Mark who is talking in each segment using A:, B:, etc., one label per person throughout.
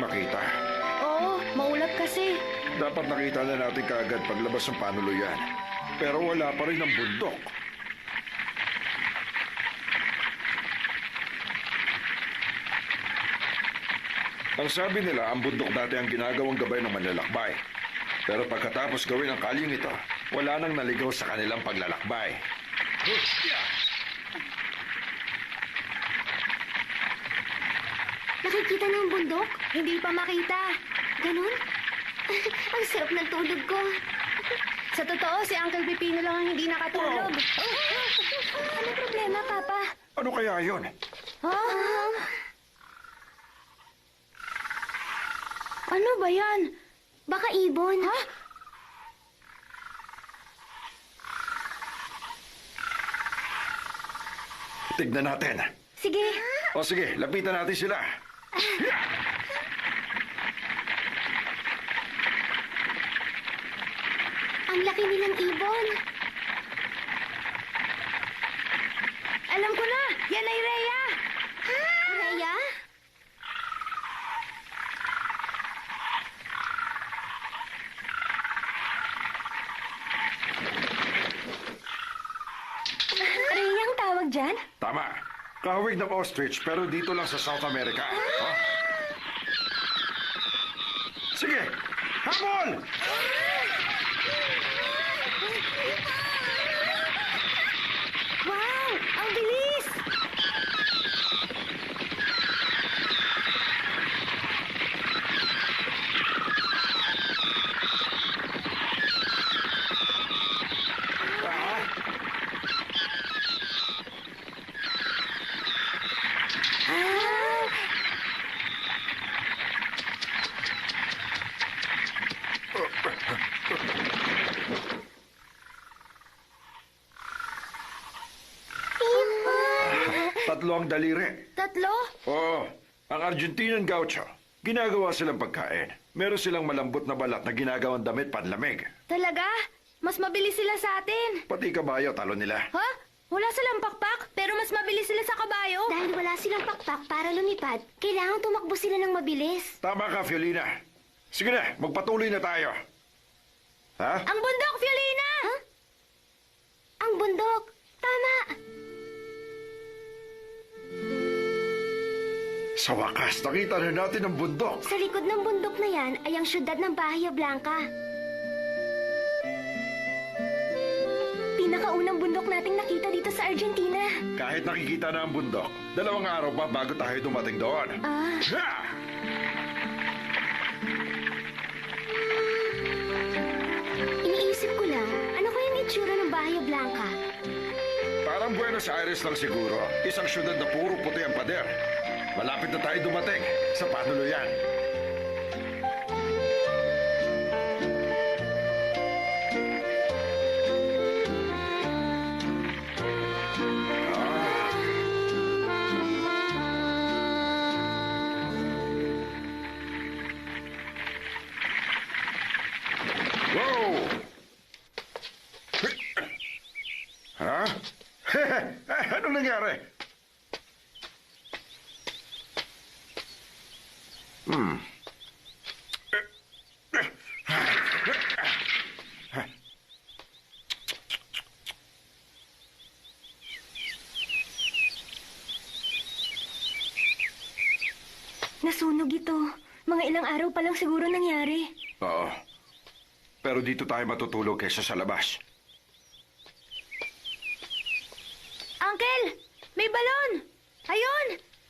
A: makita.
B: Oo, maulap kasi.
A: Dapat nakita na natin kaagad paglabas ng panuluyan. Pero wala pa rin ang bundok. Ang sabi nila, ang bundok dati ang ginagawang gabay ng manlalakbay. Pero pagkatapos gawin ang kalyeng ito, wala nang naligaw sa kanilang paglalakbay.
C: Nakikita na ang bundok?
B: Hindi pa makita.
C: Ganun? Ang sarap ng tulog ko.
B: Sa totoo, si Uncle Pipino lang ang hindi nakatulog. Ano problema, Papa?
A: Ano kaya yon?
B: Ano ba yan?
C: Baka ibon.
B: Ha?
A: Tignan natin.
C: Sige.
A: O sige, lapitan natin sila.
C: Ang laki nilang ibon.
B: Alam ko na! Yan ay Rhea!
C: Rhea?
B: Rhea ang tawag dyan?
A: Tama. Kahawig ng ostrich pero dito lang sa South America. Oh. Sige, habol!
B: Wow! Ang bilis!
A: Ah, tatlo ang daliri.
B: Tatlo?
A: Oo, ang Argentinian gaucho. Ginagawa silang pagkain. Meron silang malambot na balat na ginagawang damit panlamig.
B: Talaga? Mas mabilis sila sa atin.
A: Pati kabayo, talo nila.
B: Ha? Wala silang pakpak, pero mas mabilis sila sa kabayo.
C: Dahil wala silang pakpak para lumipad, kailangan tumakbo sila ng mabilis.
A: Tama ka, Fiolina. Sige na, magpatuloy na tayo. Ha?
B: Ang bundok, Fiolina!
C: Ha? Ang bundok. Tama.
A: Sa wakas, nakita na natin ang bundok.
C: Sa likod ng bundok na yan ay ang syudad ng Bahia Blanca.
B: Pinakaunang bundok nating nakita dito sa Argentina.
A: Kahit nakikita na ang bundok, 2 araw pa bago tayo dumating doon.
B: Ah,
A: Ha!
C: Iniisip ko lang, ano kayang itsura ng Bahia Blanca?
A: Parang Buenos Aires lang siguro. Isang syudad na puro puti ang pader. Malapit na tayo dumating sa panuluyan. Wow! Ha? Anong nangyari?
B: nasunog ito. Mga ilang araw pa lang siguro nangyari.
A: Oo. Pero dito tayo matutulog kaysa sa labas.
B: Uncle! May balon! Ayun!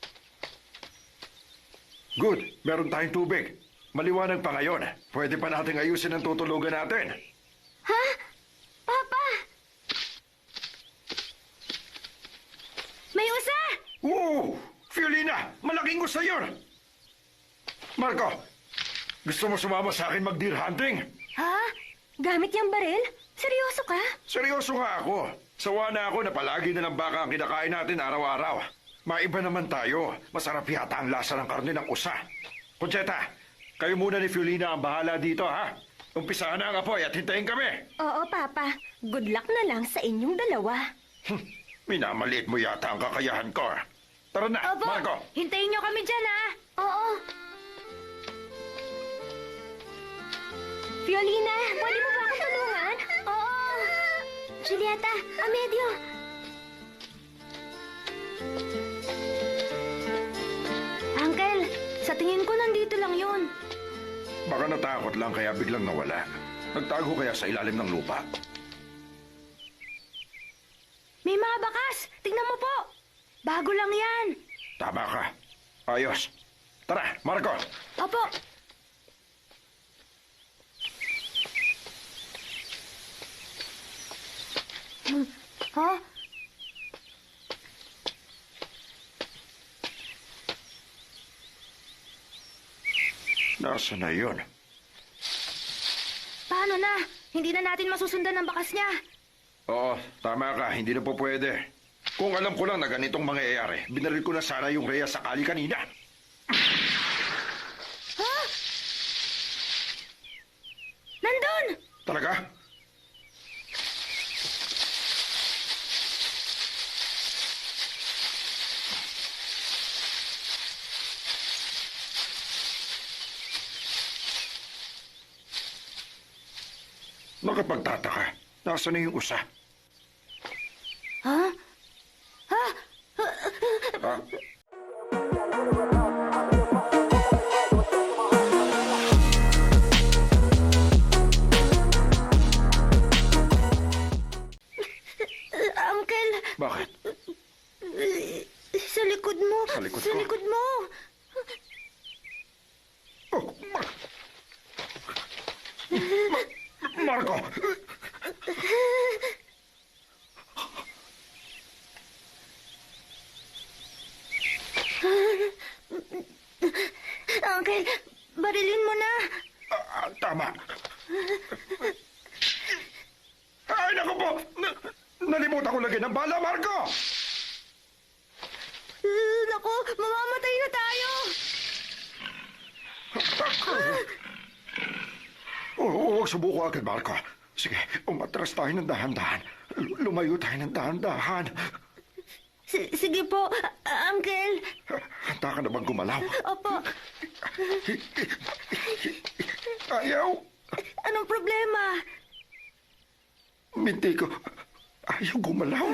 A: Good. Meron tayong tubig. Maliwanag pa ngayon. Pwede pa nating ayusin ang tutulugan natin.
C: Ha? Papa!
B: May usa!
A: Wow! Fiolina! Malaking gusto yun! Marco! Gusto mo sumama sa akin mag-deer hunting?
B: Ha? Gamit yung baril? Seryoso ka?
A: Seryoso nga ako. Sawa na ako na palagi na lang baka ang kinakain natin araw-araw. Maiba naman tayo. Masarap yata ang lasa ng karne ng usa. Concheta, kayo muna ni Fiolina ang bahala dito, ha? Umpisahan na ang apoy at hintayin kami.
B: Oo, Papa. Good luck na lang sa inyong dalawa.
A: Minamaliit mo yata ang kakayahan ko. Tara na,
B: Opo,
A: Marco.
B: hintayin niyo kami dyan, ha?
C: Oo. Fiolina, pwede mo ba ako tulungan? Oo. Julieta, Amedio.
B: Uncle, sa tingin ko nandito lang yun.
A: Baka natakot lang kaya biglang nawala. Nagtago kaya sa ilalim ng lupa.
B: May mga bakas! Tingnan mo po! Bago lang yan!
A: Tama ka. Ayos. Tara, Marco.
B: Opo! Ha?
A: Nasaan na yun?
B: Paano na? Hindi na natin masusundan ang bakas niya.
A: Oo, tama ka. Hindi na po pwede. Kung alam ko lang na ganitong mangyayari, binaril ko na sana yung Rhea sakali kanina.
B: Ha? Nandun!
A: Talaga? Nakapagtataka. Nasaan na yung usa?
B: Ha? Ha?
A: Ha?
B: Uncle,
A: Bakit?
B: sa likod mo.
A: Sa likod
B: Sa
A: ko?
B: likod mo.
A: Oh, Marco!
B: Uncle, barilin mo na.
A: Tama. Ay, naku po! Nalimutan ko lagi ng bala, Marco!
B: Naku, mamamatay na tayo.
A: Huwag subuko agad, Marco. Sige, umatras tayo ng dahan-dahan. Lumayo tayo ng dahan-dahan.
B: Sige po, Uncle.
A: Handa ka na bang gumalaw?
B: Opo,
A: Ayaw!
B: anong problema?
A: Binti ko. Ayaw gumalaw.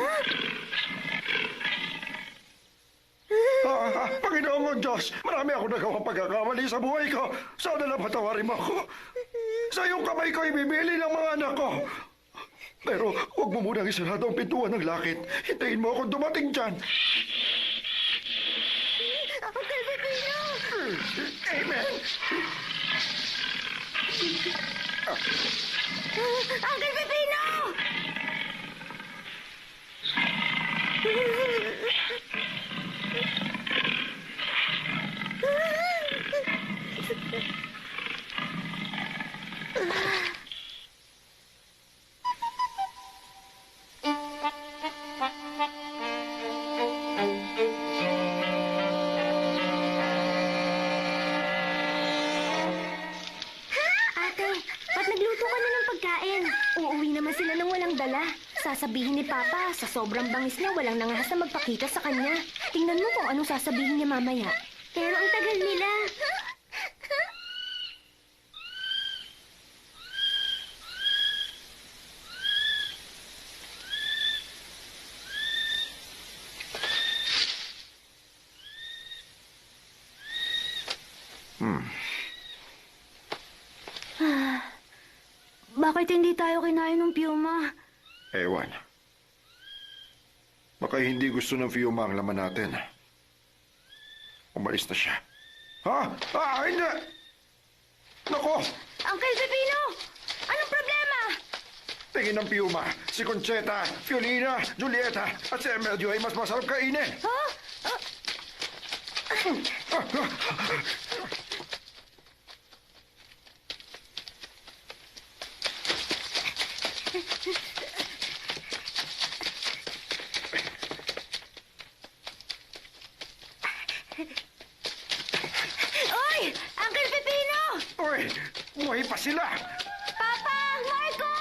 A: Panginoon ko, Diyos, marami ako nagawang pagkakamali sa buhay ko. Sana lang patawarin mo ako. Sa iyong kamay ko ibibili ng mga anak ko. Pero huwag mo munang isarado ang pintuan ng lakit. Hintayin mo akong dumating dyan.
B: Uncle Pepino!
A: Amen.
B: Uncle Pepino!
C: Ate, ba't nagluto ka na ng pagkain? Uuwi naman sila nang walang dala. Sasabihin ni Papa, sa sobrang bangis niya, walang nangahas na magpakita sa kanya. Tingnan mo kung anong sasabihin niya mamaya. Pero ang tagal nila.
B: Bakit hindi tayo kinain ng Puma?
A: Ewan. Baka hindi gusto ng Fiuma ang laman natin. Umalis na siya. Ha? Hindi! Nako!
B: Uncle Pepino! Anong problema?
A: Tingin ng Piuma, si Concheta, Fiolina, Julieta, at si Emelio ay mas masarap kainin.
B: Ha? Oy! Uncle Pepino!
A: Uy, buhay pa sila!
B: Papa! Marco!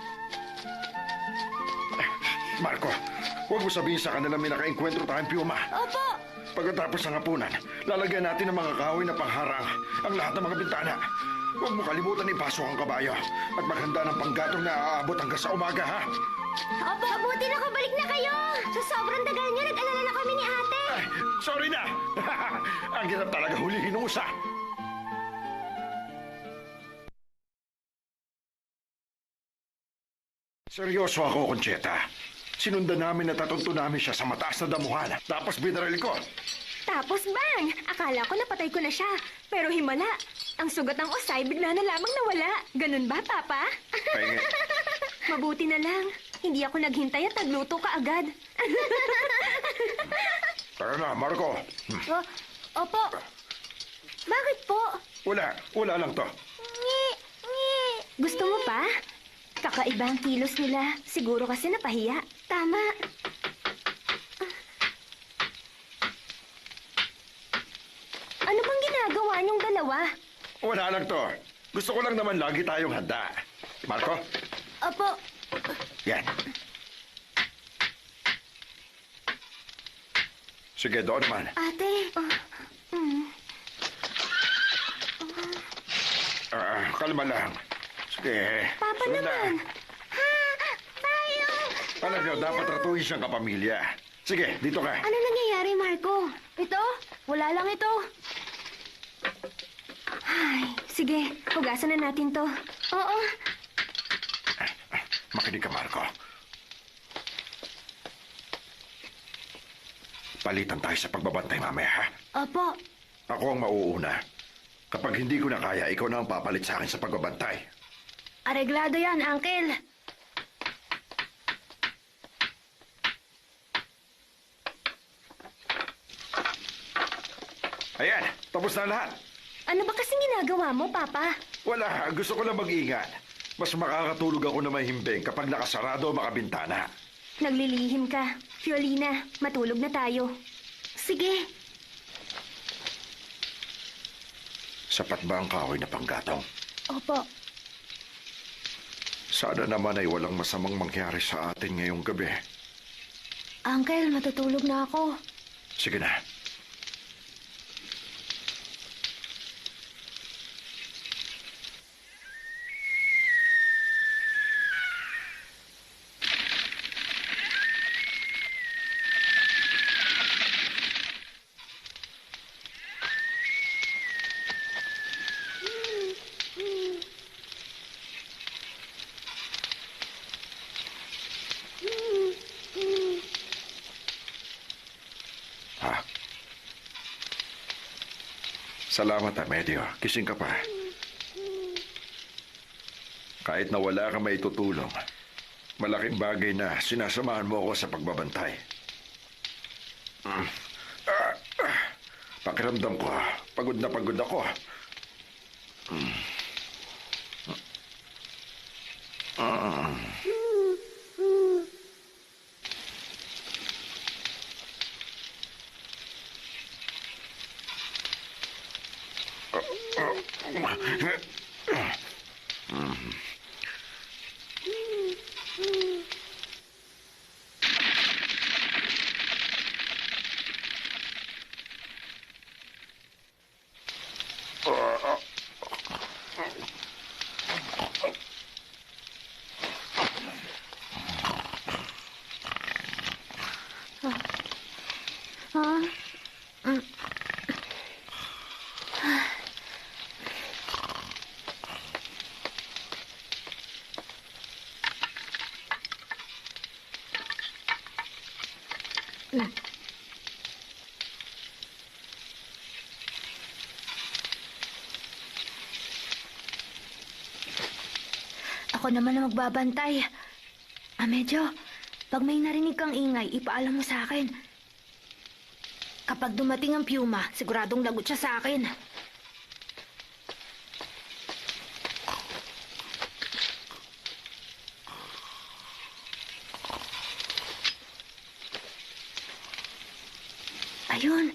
A: Marco, huwag mo sabihin sa kanila may naka-enkwentro tayong Piuma.
B: Opo!
A: Pagkatapos ng hapunan, lalagyan natin ng mga kahoy na pangharang ang lahat ng mga bintana. Huwag mo kalimutan ipasok ang kabayo at maghanda ng panggatong na aabot hanggang sa umaga, ha?
C: Opo, mabuti nakabalik na kayo. Sa sobrang tagal niyo, nag-alala na kami ni ate.
A: Ay, sorry na! Ang hirap talaga hulihin ng usa. Seryoso ako, Concheta. Sinundan namin at tatunto namin siya sa mataas na damuhan. Tapos binaril ko.
C: Tapos bang! Akala ko napatay ko na siya. Pero himala. Ang sugat ng usay bigla na lamang nawala. Ganun ba, Papa?
A: Pahingi.
C: Mabuti na lang. Hindi ako naghintay at nagluto ka agad.
A: Tara na, Marco.
C: Opo. Bakit po?
A: Wala lang to.
C: Gusto mo pa? Kakaiba ang kilos nila. Siguro kasi napahiya. Tama. Ano bang ginagawa niyong dalawa?
A: Wala lang to. Gusto ko lang naman lagi tayong handa. Marco?
C: Opo.
A: Yan. Sige, doon naman.
C: Ate.
A: Kalma lang. Sige.
C: Papa
A: sunod
C: naman.
A: na.
C: Ha? Tayo.
A: Talaga, dapat ratuhin siyang kapamilya. Sige, dito ka.
C: Ano nangyayari, Marco? Ito? Wala lang ito. Ay, sige. Hugasan na natin to. Oo.
A: Makinig ka, Marco. Palitan tayo sa pagbabantay mamaya, ha?
C: Opo.
A: Ako ang mauuna. Kapag hindi ko na kaya, ikaw na ang papalit sa akin sa pagbabantay.
C: Areglado yan, Uncle.
A: Ayan, tapos na lahat.
C: Ano ba kasing ginagawa mo, Papa?
A: Wala, gusto ko lang mag-ingat. Mas makakatulog ako na mahimbing kapag nakasarado ang makabintana.
C: Naglilihim ka. Fiolina, matulog na tayo. Sige.
A: Sapat ba ang kahoy na panggatong?
C: Opo.
A: Sana naman ay walang masamang mangyari sa atin ngayong gabi.
C: Uncle, matutulog na ako.
A: Sige na. Salamat, Medio. Kising ka pa. Kahit na wala ka may tutulong, malaking bagay na sinasamahan mo ako sa pagbabantay. Pakiramdam ko, pagod na pagod ako.
C: Ako naman ang magbabantay. Medyo, pag may narinig kang ingay, ipaalam mo sa akin. Kapag dumating ang Puma, siguradong lagot siya sa akin. Ayun.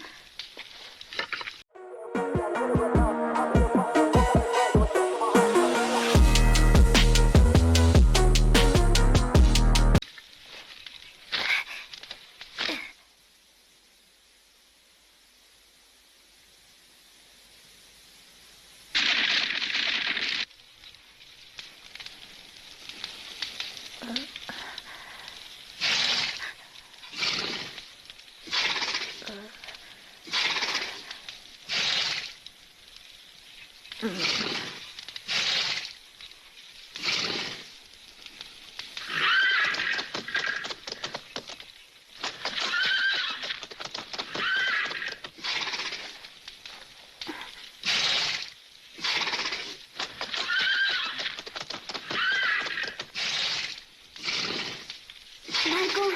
C: Marco,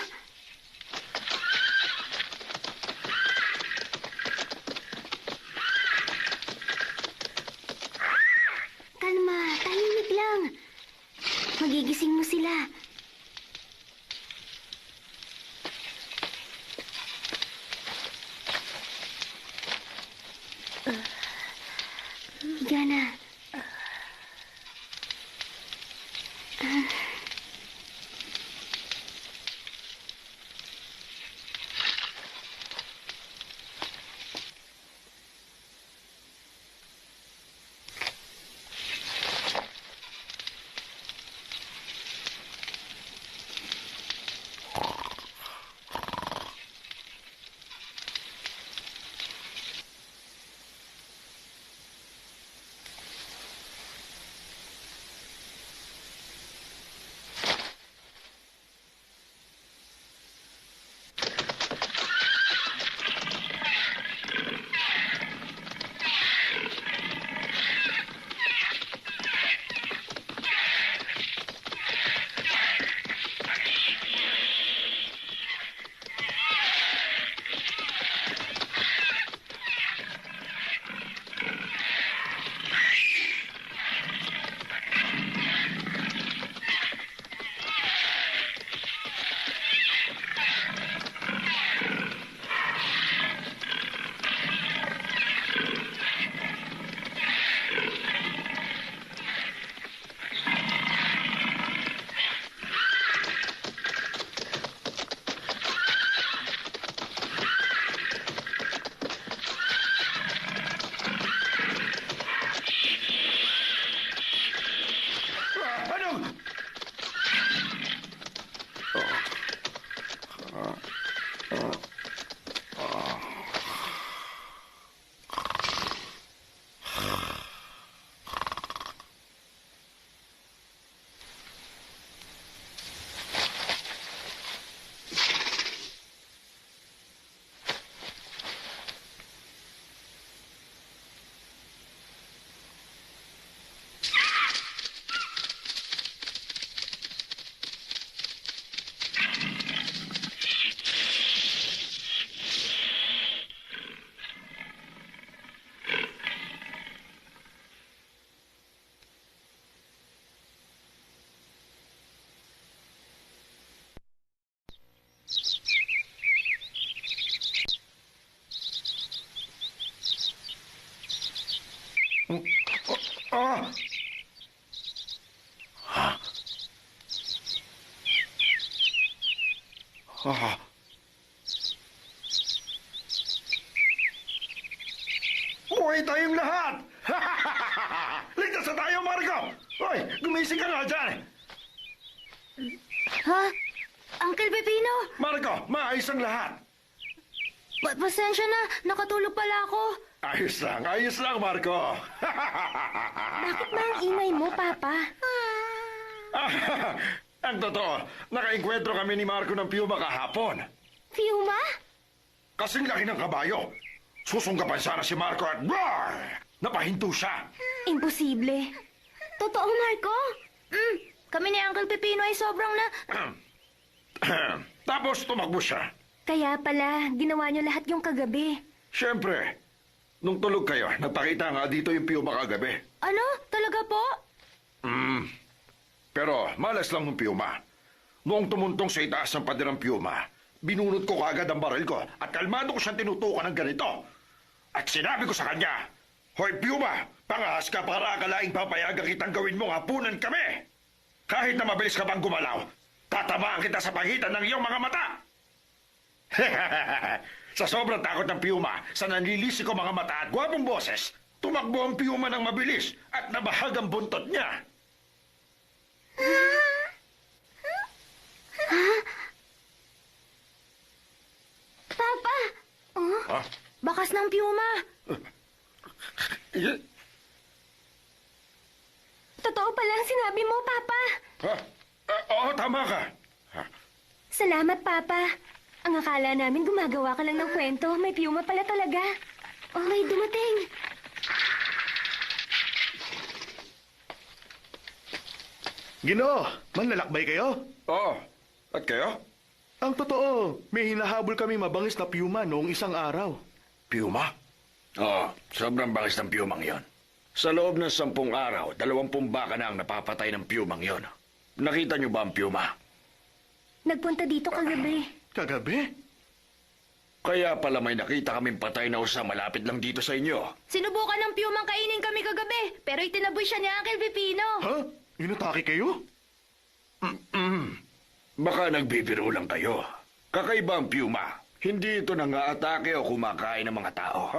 C: kalma, tahimik lang. Magigising mo sila. Higa na.
A: Anong? Ah! Ah! Buhay tayong lahat! Ligtas na tayo, Marco! Hoy, gumising ka nga dyan!
C: Ha? Uncle Pepino,
A: Marco, maayos ang lahat!
C: pasensya na. Nakatulog pala ako.
A: Ayos lang, Marco!
C: Bakit ba ang ingay mo, Papa?
A: Ang totoo, nakainkwentro kami ni Marco ng piyuma kahapon.
C: Fiuma?
A: Kasing laki ng kabayo. Susunggapan sana si Marco at roar! Napahinto siya.
C: Imposible. Totoo, Marco? Kami ni Uncle Pepino ay sobrang na...
A: Tapos tumakbo siya.
C: Kaya pala, ginawa niyo lahat yung kagabi.
A: Siyempre, nung tulog kayo, nagpakita nga dito yung piyuma kagabi.
C: Ano? Talaga po?
A: Pero malas lang ng piyuma. Noong tumuntong sa itaas ng paderang piyuma, binunot ko kaagad ang baril ko at kalmado ko siyang tinutukan ng ganito. At sinabi ko sa kanya, Hoy piyuma, pangahas ka para akalaing papayagan kitang gawin mong hapunan kami. Kahit na mabilis ka pang gumalaw, tatamaan kita sa pagitan ng iyong mga mata. Sa sobrang takot ng piyuma, sa nanlilisi ko mga mata at gwapong boses, tumakbo ang piyuma ng mabilis at nabahag ang buntot niya.
C: Papa! Oh,
A: Ha?
C: bakas ng Piuma. totoo pala ang sinabi mo, Papa.
A: Ha? Oo, tama ka. Ha?
C: Salamat, Papa. Ang akala namin gumagawa ka lang ng kwento. May piyuma pala talaga. Oh, may dumating.
D: Ginoo, manlalakbay kayo?
A: Oo. At kayo?
D: Ang totoo, may hinahabol kami mabangis na piyuma noong isang araw.
A: Piyuma? Oo, sobrang bangis ng piyumang yon. Sa loob ng 10 araw, 20 baka na ang napapatay ng piyumang yon. Nakita niyo ba ang piyuma?
C: Nagpunta dito kagabi.
D: Kagabi?
A: Kaya pala may nakita kaming patay na usa malapit lang dito sa inyo.
B: Sinubukan ng piyumang kainin kami kagabi, pero itinaboy siya ni Uncle Pipino.
D: Ha? Inatake kayo?
A: Baka nagbibiro lang kayo. Kakaiba ang piyuma. Hindi ito nangaatake o kumakain ng mga tao.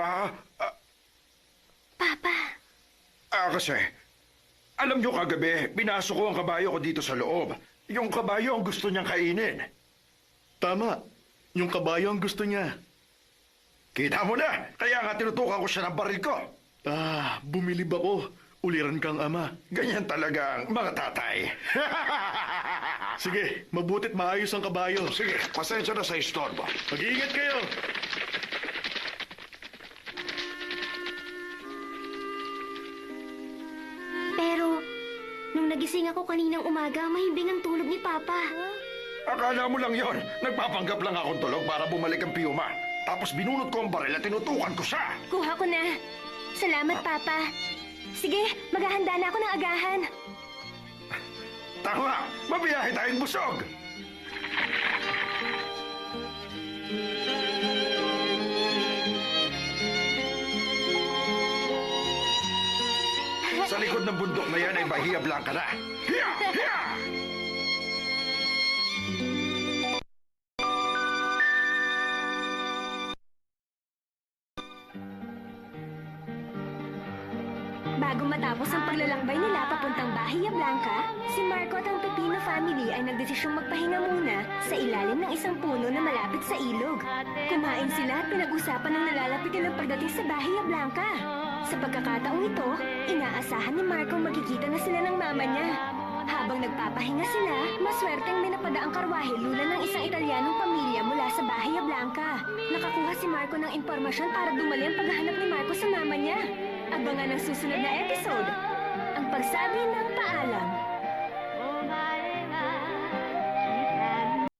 C: Papa,
A: Kasi, alam niyo kagabi, pinasok ko ang kabayo ko dito sa loob. Yung kabayo ang gusto niyang kainin.
D: Tama. Yung kabayo ang gusto niya.
A: Kita mo na, kaya nga tinutukan ko siya ng baril ko.
D: Bumilib ako. Uliran kang ama.
A: Ganyan talaga ang mga tatay.
D: Sige, mabutit maayos ang kabayo.
A: Sige, pasensya na sa istorbo.
D: Mag-iingat kayo.
C: pero nung nagising ako kaninang umaga, mahimbing ang tulog ni Papa.
A: Akala mo lang yon. Nagpapanggap lang akong tulog para bumalik ang piyuma. Tapos binunot ko ang baril at tinutukan ko siya.
C: Kuha ko na. Salamat, Papa. Sige, maghahanda na ako ng agahan.
A: Tama, mabiyahe tayong busog. Sa likod ng bundok na yan ay Bahia Blanca na. Hiya! Hiya!
C: Bago matapos ang paglalakbay nila papuntang Bahia Blanca, si Marco at ang Pepino family ay nagdesisyong magpahinga muna sa ilalim ng isang puno na malapit sa ilog. Kumain sila at pinag-usapan ng nalalapit nilang pagdating sa Bahia Blanca. Sa pagkakataong ito, inaasahan ni Marco magkikita na sila ng mama niya. Habang nagpapahinga sila, maswerteng may napadaang karwahe lula ng isang Italianong pamilya mula sa Bahia Blanca. Nakakuha si Marco ng impormasyon para dumali ang paghahanap ni Marco sa mama niya. Abangan ang susunod na episode, ang pagsabi ng paalam.